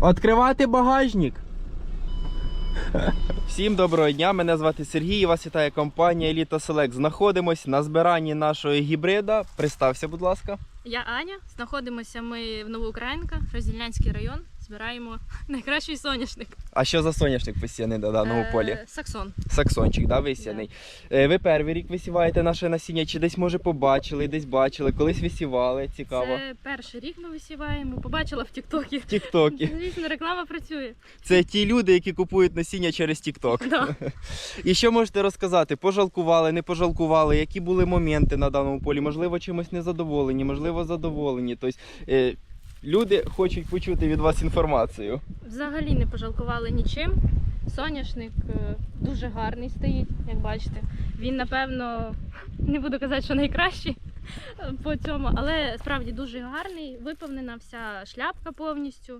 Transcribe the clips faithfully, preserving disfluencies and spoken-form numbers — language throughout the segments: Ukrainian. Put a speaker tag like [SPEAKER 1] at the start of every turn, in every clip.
[SPEAKER 1] Відкривати багажник. Всім доброго дня, мене звати Сергій і вас вітає компанія Elite Select. Знаходимось на збиранні нашого гібрида. Представся, будь ласка.
[SPEAKER 2] Я Аня. Знаходимося ми в Новоукраїнка, Роздільнянський район. Збираємо найкращий соняшник.
[SPEAKER 1] А що за соняшник посіяний на даному
[SPEAKER 2] Е,
[SPEAKER 1] полі?
[SPEAKER 2] Саксон.
[SPEAKER 1] Саксончик, да, висіяний. Да. Ви перший рік висіваєте наше насіння, чи десь, може, побачили, десь бачили, колись висівали, цікаво.
[SPEAKER 2] Це перший рік ми висіваємо. Побачила в Тік-Токі.
[SPEAKER 1] В Тік-Токі.
[SPEAKER 2] Звісно, реклама працює.
[SPEAKER 1] Це ті люди, які купують насіння через Тік-Ток.
[SPEAKER 2] Да.
[SPEAKER 1] І що можете розказати? Пожалкували, не пожалкували? Які були моменти на даному полі? Можливо, чимось незадоволені, можливо, задоволені. Тобто, е, люди хочуть почути від вас інформацію.
[SPEAKER 2] Взагалі не пожалкували нічим. Соняшник е, дуже гарний стоїть, як бачите. Він, напевно, не буду казати, що найкращий по цьому, але справді дуже гарний, виповнена вся шляпка повністю.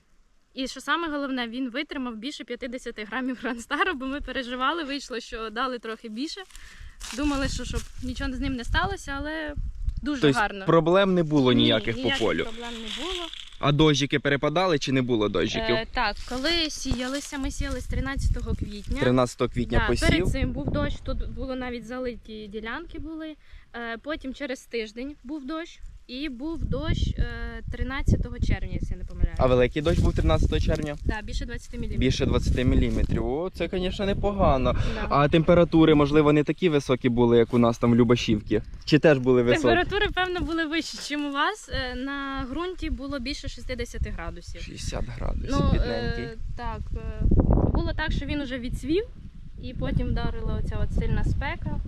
[SPEAKER 2] І що саме головне, він витримав більше п'ятдесят грамів Грандстару, бо ми переживали, вийшло, що дали трохи більше. Думали, що щоб нічого з ним не сталося, але дуже
[SPEAKER 1] тобто,
[SPEAKER 2] гарно.
[SPEAKER 1] Проблем не було ніяких
[SPEAKER 2] Ні,
[SPEAKER 1] по
[SPEAKER 2] ніяких
[SPEAKER 1] полю?
[SPEAKER 2] проблем не було.
[SPEAKER 1] А дощики перепадали чи не було дощиків?
[SPEAKER 2] Е, так, коли сіялися, ми сіялись тринадцятого квітня.
[SPEAKER 1] тринадцятого квітня
[SPEAKER 2] Да,
[SPEAKER 1] посів.
[SPEAKER 2] перед цим був дощ, тут було навіть залиті ділянки були. Е, потім через тиждень був дощ. І був дощ е, тринадцятого червня, якщо я не помиляюся.
[SPEAKER 1] А великий дощ був тринадцятого червня?
[SPEAKER 2] Так, да, більше двадцять міліметрів.
[SPEAKER 1] Більше двадцять міліметрів. О, це, звісно, непогано.
[SPEAKER 2] Да.
[SPEAKER 1] А температури, можливо, не такі високі були, як у нас там в Любашівці? Чи теж були високі?
[SPEAKER 2] Температури, певно, були вищі, ніж у вас. Е, на ґрунті було більше шістдесят градусів.
[SPEAKER 1] шістдесят градусів,
[SPEAKER 2] Ну,
[SPEAKER 1] бідненький.
[SPEAKER 2] е, так, е, було так, що він уже відцвів, і потім вдарила оця от сильна спека.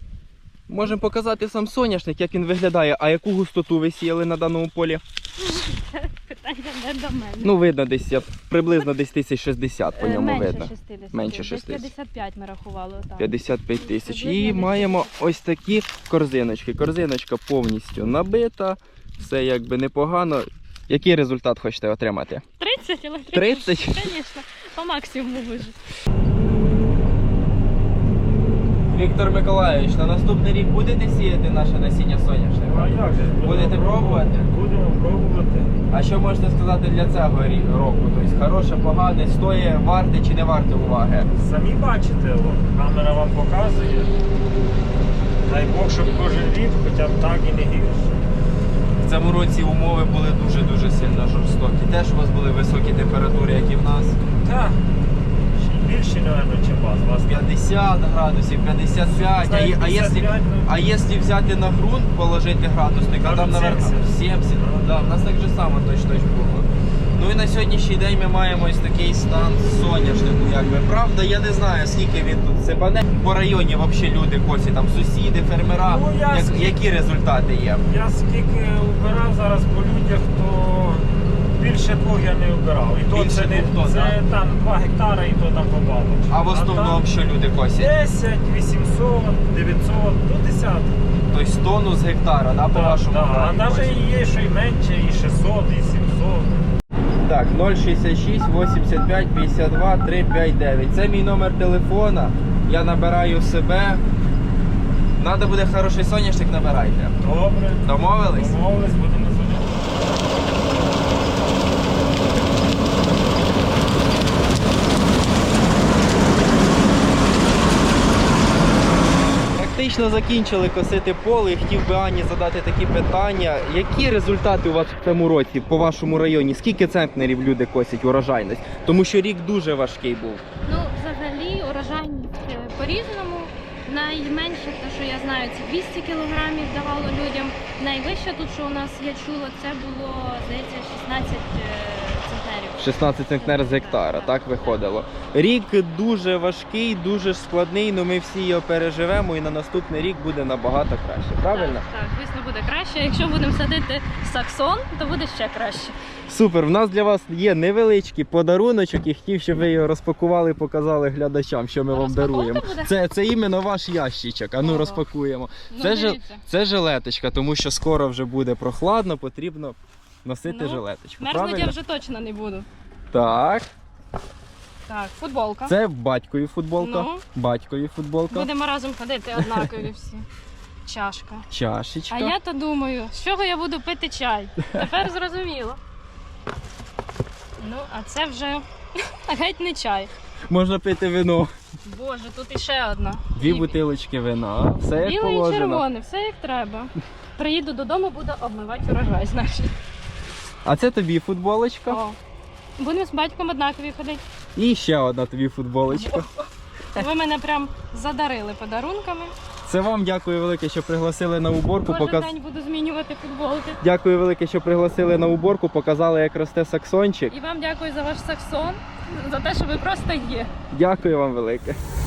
[SPEAKER 1] Можемо показати сам соняшник, як він виглядає. А яку густоту ви сіяли на даному полі?
[SPEAKER 2] Питання не до мене.
[SPEAKER 1] Ну, видно десь, я- приблизно десь тисяч шістдесят по
[SPEAKER 2] Е,
[SPEAKER 1] ньому
[SPEAKER 2] менше
[SPEAKER 1] видно.
[SPEAKER 2] шістдесят.
[SPEAKER 1] Менше
[SPEAKER 2] Десь
[SPEAKER 1] шістдесят.
[SPEAKER 2] п'ятдесят п'ять ми рахували. Так.
[SPEAKER 1] п'ятдесят п'ять тисяч.
[SPEAKER 2] Приблизно
[SPEAKER 1] І
[SPEAKER 2] десь
[SPEAKER 1] маємо ось такі корзиночки. Корзиночка повністю набита, все якби непогано. Який результат хочете отримати?
[SPEAKER 2] тридцять, але
[SPEAKER 1] тридцять?
[SPEAKER 2] Звісно, по максимуму вижити.
[SPEAKER 1] Віктор Миколайович, на наступний рік будете сіяти наше насіння соняшника?
[SPEAKER 3] А як же?
[SPEAKER 1] Будете пробувати?
[SPEAKER 3] Будемо пробувати.
[SPEAKER 1] А що можете сказати для цього рі- року? Тобто хороше, погане, стоїть, варте чи не варте уваги?
[SPEAKER 3] Самі бачите, о, камера вам показує. Дай Бог, щоб кожен рік хоча б так і не гірше.
[SPEAKER 1] В цьому році умови були дуже-дуже сильно жорстокі. Теж у вас були високі температури, як і в нас.
[SPEAKER 3] Так, ще й більше, мабуть, ніж у вас. У вас
[SPEAKER 1] п'ятдесят градусів, п'ятдесят п'ять. А, є- а, якщо,
[SPEAKER 3] п'ятдесят п'ять, ну.
[SPEAKER 1] а якщо взяти на ґрунт, положити градусник, а там,
[SPEAKER 3] Кажуть,
[SPEAKER 1] наверное,
[SPEAKER 3] сімдесят.
[SPEAKER 1] сімдесят. Да, в нас так же само точно було. Ну і на сьогоднішній день ми маємо ось такий стан соняшнику, якби. Правда, я не знаю, скільки він тут сипане. По районі взагалі люди косять, там сусіди, фермера.
[SPEAKER 3] Ну, я
[SPEAKER 1] Як-
[SPEAKER 3] скільки-
[SPEAKER 1] які результати є?
[SPEAKER 3] Я скільки убирав зараз по людях, то більше двох я не убирав. І то
[SPEAKER 1] Більше
[SPEAKER 3] це, не,
[SPEAKER 1] двох тонн,
[SPEAKER 3] це там два гектари і то там побалочку.
[SPEAKER 1] А в основному що люди косять?
[SPEAKER 3] десять, вісімсот, дев'ятсот, до десяток.
[SPEAKER 1] Тобто тонну з гектара, да, по
[SPEAKER 3] Так,
[SPEAKER 1] вашому
[SPEAKER 3] так. А
[SPEAKER 1] краї
[SPEAKER 3] навіть
[SPEAKER 1] косять?
[SPEAKER 3] є, що й менше, і шістсот, і сімсот.
[SPEAKER 1] Так, нуль шістдесят шість вісімдесят п'ять п'ятдесят два триста п'ятдесят дев'ять. Це мій номер телефона. Я набираю себе. Надо буде хороший соняшник, набирайте.
[SPEAKER 3] Добре.
[SPEAKER 1] Домовились?
[SPEAKER 3] Домовились, будемо звонити.
[SPEAKER 1] Практично закінчили косити поле і хотів би Ані задати такі питання. Які результати у вас в цьому році по вашому районі? Скільки центнерів люди косять урожайність? Тому що рік дуже важкий був.
[SPEAKER 2] Ну, взагалі, урожайність е, по-різному. Найменше, те, що я знаю, це двісті кілограмів давало людям. Найвище тут, що у нас я чула, це було, здається, шістнадцять центнерів.
[SPEAKER 1] шістнадцять центнер з гектара, так виходило. Рік дуже важкий, дуже складний, але ми всі його переживемо і на наступний рік буде набагато краще. Правильно?
[SPEAKER 2] Так, так, звісно, буде краще. Якщо будемо садити саксон, то буде ще краще.
[SPEAKER 1] Супер, в нас для вас є невеличкий подаруночок і хотів, щоб ви його розпакували, показали глядачам, що ми вам
[SPEAKER 2] Розпаковка
[SPEAKER 1] даруємо.
[SPEAKER 2] буде?
[SPEAKER 1] Це, це іменно ваш ящичок, а ну
[SPEAKER 2] Ого.
[SPEAKER 1] розпакуємо.
[SPEAKER 2] Ну,
[SPEAKER 1] Це, жел...
[SPEAKER 2] дивіться.
[SPEAKER 1] це жилеточка, тому що скоро вже буде прохладно, потрібно носити
[SPEAKER 2] Ну,
[SPEAKER 1] жилеточку.
[SPEAKER 2] Мерзнуть
[SPEAKER 1] Правильно?
[SPEAKER 2] я вже точно не буду.
[SPEAKER 1] Так,
[SPEAKER 2] Так, футболка.
[SPEAKER 1] це батькові футболка.
[SPEAKER 2] Ну.
[SPEAKER 1] Батькові футболка.
[SPEAKER 2] Будемо разом ходити однакові всі. Чашка.
[SPEAKER 1] Чашечка.
[SPEAKER 2] А я то думаю, з чого я буду пити чай? Тепер зрозуміло. Ну, а це вже геть не чай.
[SPEAKER 1] Можна пити вино.
[SPEAKER 2] Боже, тут іще одна.
[SPEAKER 1] Дві
[SPEAKER 2] І-
[SPEAKER 1] бутилочки вина. Все як
[SPEAKER 2] Біле і
[SPEAKER 1] положено.
[SPEAKER 2] червоне, все як треба. Приїду додому, буду обмивати урожай, значить.
[SPEAKER 1] А це тобі футболочка.
[SPEAKER 2] О. Будемо з батьком однакові ходити.
[SPEAKER 1] І ще одна тобі футболочка.
[SPEAKER 2] Ви мене прям задарили подарунками.
[SPEAKER 1] Це вам дякую велике, що пригласили на уборку.
[SPEAKER 2] Кожен
[SPEAKER 1] Показ...
[SPEAKER 2] день буду змінювати футболки.
[SPEAKER 1] Дякую велике, що пригласили на уборку, показали, як росте саксончик.
[SPEAKER 2] І вам дякую за ваш саксон, за те, що ви просто є.
[SPEAKER 1] Дякую вам велике.